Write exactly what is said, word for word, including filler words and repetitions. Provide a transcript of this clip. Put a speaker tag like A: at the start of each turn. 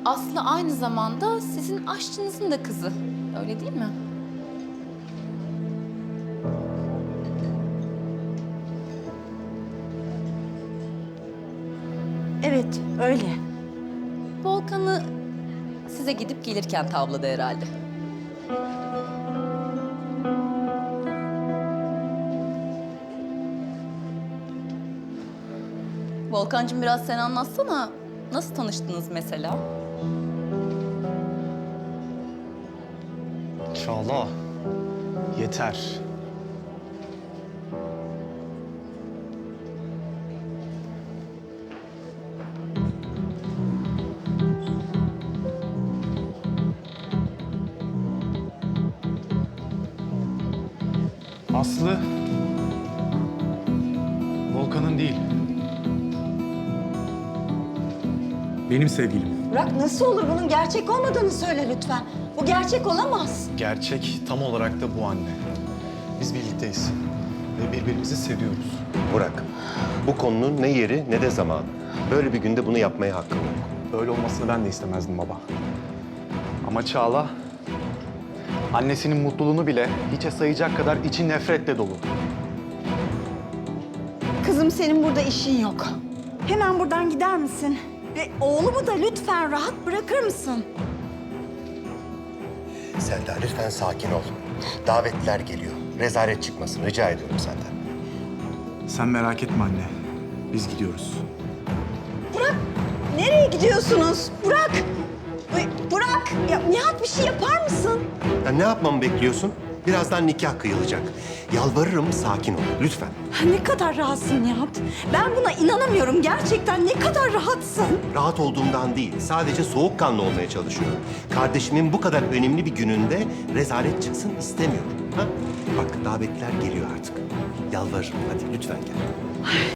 A: Aslı aynı zamanda sizin aşçınızın da kızı. Öyle değil mi?
B: Evet, öyle.
A: Volkan'ı size gidip gelirken tavladı herhalde. Volkancığım biraz sen anlatsana. Nasıl tanıştınız mesela?
C: Çağla, yeter. Aslı, Volkan'ın değil. Benim sevgilim.
B: Burak nasıl olur? Bunun gerçek olmadığını söyle lütfen. Bu gerçek olamaz.
C: Gerçek tam olarak da bu anne. Biz birlikteyiz ve birbirimizi seviyoruz.
D: Burak, bu konunun ne yeri ne de zamanı. Böyle bir günde bunu yapmaya hakkım yok.
C: Böyle olmasını ben de istemezdim baba. Ama Çağla, annesinin mutluluğunu bile hiçe sayacak kadar içi nefretle dolu.
B: Kızım senin burada işin yok. Hemen buradan gider misin? Ve oğlumu da lütfen rahat bırakır mısın?
D: Selda lütfen sakin ol. Davetliler geliyor. Rezalet çıkmasın rica ediyorum senden.
C: Sen merak etme anne. Biz gidiyoruz.
B: Burak, nereye gidiyorsunuz? Burak! Ay, Burak! Ya Nihat bir şey yapar mısın?
D: Ya ne yapmamı bekliyorsun? Birazdan nikah kıyılacak. Yalvarırım sakin ol lütfen.
B: Ha, ne kadar rahatsın Nihat. Ben buna inanamıyorum. Gerçekten ne kadar rahatsın.
D: Rahat olduğumdan değil, sadece soğukkanlı olmaya çalışıyorum. Kardeşimin bu kadar önemli bir gününde rezalet çıksın istemiyorum. Ha? Bak davetliler geliyor artık. Yalvarırım hadi lütfen gel.